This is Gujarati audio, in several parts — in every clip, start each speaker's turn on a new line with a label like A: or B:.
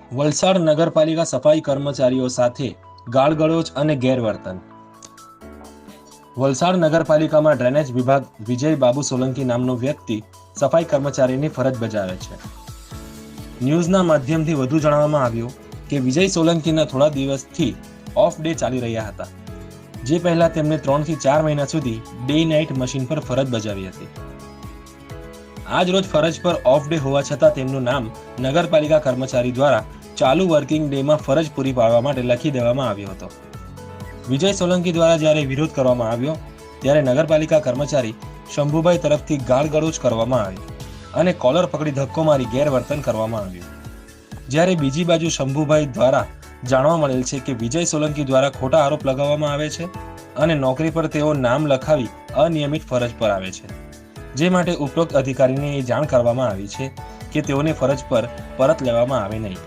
A: વલસાડ નગરપાલિકા સફાઈ કર્મચારીઓ સાથે ગાળગળોચ અને ગેરવર્તન. વલસાડ નગરપાલિકામાં ડ્રેનેજ વિભાગ વિજય બાબુ સોલંકી નામનો વ્યક્તિ સફાઈ કર્મચારીની ફરજ બજાવે છે. ન્યૂઝના માધ્યમથી વધુ જણાવવામાં આવ્યું કે વિજય સોલંકીના થોડા દિવસથી ઓફ ડે ચાલી રહ્યા હતા, જે પહેલા તેમણે 3 થી 4 મહિના સુધી ડે નાઇટ મશીન પર ફરજ બજાવી હતી. આજ રોજ ફરજ પર ઓફ ડે હોવા છતાં તેમનું નામ નગરપાલિકા કર્મચારી દ્વારા ચાલુ વર્કિંગ ડેમાં ફરજ પૂરી પાડવા માટે લખી દેવામાં આવ્યો હતો. વિજય સોલંકી દ્વારા જ્યારે વિરોધ કરવામાં આવ્યો ત્યારે નગરપાલિકા કર્મચારી શંભુભાઈ તરફથી ગાળગળોચ કરવામાં આવી અને કોલર પકડી ધક્કો મારી ગેરવર્તન કરવામાં આવ્યું. જ્યારે બીજી બાજુ શંભુભાઈ દ્વારા જાણવા મળેલ છે કે વિજય સોલંકી દ્વારા ખોટા આરોપ લગાવવામાં આવે છે અને નોકરી પર તેઓ નામ લખાવી અનિયમિત ફરજ પર આવે છે, જે માટે ઉપરોક્ત અધિકારીને એ જાણ કરવામાં આવી છે કે તેઓને ફરજ પર પરત લેવામાં આવે નહીં.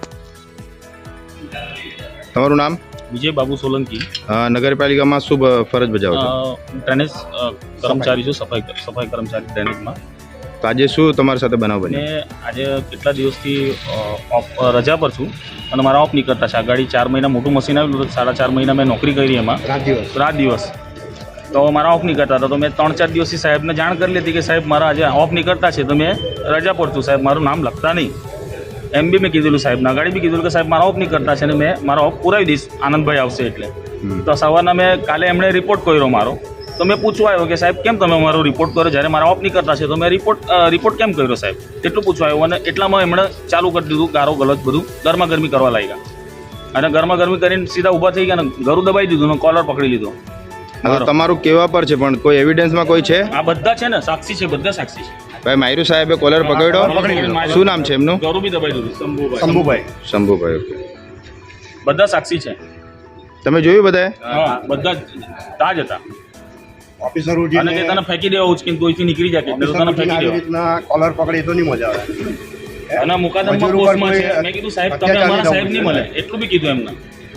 B: તમારું નામ?
C: વિજય બાબુ સોલંકી.
B: નગરપાલિકામાં શું ફરજ બજાવો છો?
C: ડ્રેનેજ કર્મચારી છું, સફાઈ કર્મચારી ડ્રેનેજમાં.
B: તો આજે શું તમારી સાથે બનાવ બન્યો?
C: અને આજે કેટલા દિવસથી રજા પર છું અને મારા ઓફ નીકળતા છે. આ ગાડી 4 મહિના મોટું મશીન આવેલું હતું, 4.5 મહિના મેં નોકરી કરી એમાં રાત દિવસ. તો મારા ઓફ નીકળતા હતા, તો મેં 3-4 દિવસથી સાહેબને જાણ કરી લીધી કે સાહેબ મારા આજે ઓફ નીકળતા છે, તો મેં રજા પર છું, સાહેબ મારું નામ લખતા નહીં. એમ બી મેં કીધેલું સાહેબના ગાડી બી કીધેલું કે સાહેબ મારા ઓફ નીકળતા છે અને મેં મારા ઓફ પુરાવી દઈશ, આનંદભાઈ આવશે એટલે. તો સવારના મેં કાલે એમણે રિપોર્ટ કર્યો મારો, તો મેં પૂછવા આવ્યો કે સાહેબ કેમ તમે મારો રિપોર્ટ કર્યો જ્યારે મારા ઓફ નીકળતા છે, તો મેં રિપોર્ટ કેમ કર્યો સાહેબ એટલું પૂછવા આવ્યું. અને એટલામાં એમણે ચાલુ કરી દીધું ગારો ગલત બધું ગરમાગરમી કરવા લાગ્યા અને ગરમાગરમી કરીને સીધા ઊભા થઈ ગયા અને ગરું દબાઈ દીધું અને કોલર પકડી લીધો.
B: તમારું કેવા પર છે પણ કોઈ એવિડન્સમાં કોઈ છે?
C: આ બધા છે ને, સાક્ષી છે, બધા સાક્ષી છે.
B: ભાઈ માયરુ સાહેબે કોલર પકડ્યો. શું નામ છે એમનું?
C: ગરું બી દબાઈ દીધું.
B: શંભુભાઈ. ઓકે,
C: બધા સાક્ષી છે.
B: તમે જોયું બધાએ?
C: હા, બધા તાજ હતા.
D: ઓફિસરો
C: અને તે તને ફેંકી દેવા ઉચકીને તોયથી નીકળી જાય એટલે તને ફેંકી દેવા.
D: રીતના કોલર પકડી તો નહીં મજા આવે.
C: અને મુકાદમમાં પોસ્ટમાં છે. મેં કીધું સાહેબ તમે અમારા સાહેબ નહીં મળે એટલું બી કીધું એમને.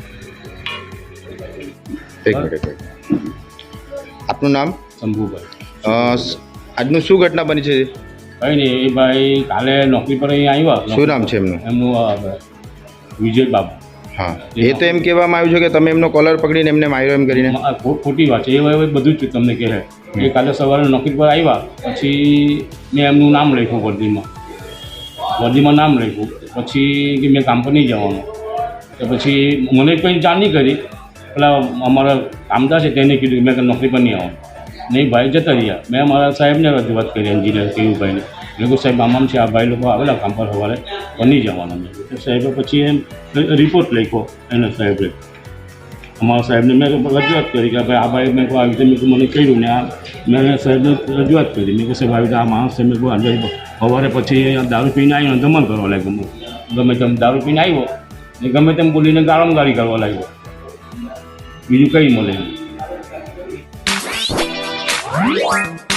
B: એક મિનિટ. આપનું નામ?
C: શંભુભાઈ.
B: આજનું શું ઘટના બની છે?
C: કઈ નહીં, એ ભાઈ કાલે નોકરી પર અહીં આવ્યા.
B: શું નામ છે એમનું?
C: એમનું વિજય બાબુ.
B: હા, એ તો એમ કહેવામાં આવ્યું છે કે તમે એમનો કોલર પકડીને એમને માર્યો એમ કરીને.
C: ખોટી વાત છે એ. બધું જ તમને કહે એ કાલે સવારે નોકરી પર આવ્યા પછી મેં એમનું નામ લખ્યું વર્દીમાં નામ લખ્યું. પછી કે મેં કામ પર નહીં જવાનું, તો પછી મને કંઈ જાણ નહીં કરી. પેલા અમારા કામદાર છે તેને કીધું મેં નોકરી પર નહીં આવવાનું. નહીં, ભાઈ જતા રહ્યા. મેં મારા સાહેબને રજૂઆત કરી, એન્જિનિયર કેયુભાઈને. મેં કહ્યું સાહેબ આમ છે, આ ભાઈ લોકો આવેલા કામ પર સવારે પણ નહીં જવાના. તો સાહેબે પછી એમ રિપોર્ટ લખ્યો એને સાહેબે, અમારા સાહેબને મેં રજૂઆત કરી કે ભાઈ આ ભાઈ મેં કહું આવી રીતે મને કહ્યું ને આ મેં સાહેબને રજૂઆત કરી. મેં કહું સાહેબ આવી રીતે આ માણસ છે, મેં કહું આજે સવારે પછી દારૂ પીને આવ્યો ધમાલ કરવા લાગ્યો. ગમે તેમ દારૂ પીને આવ્યો ને ગમે તેમ બોલીને ગાળમગાળી કરવા લાગ્યો. બીજું કંઈ મળે નહીં.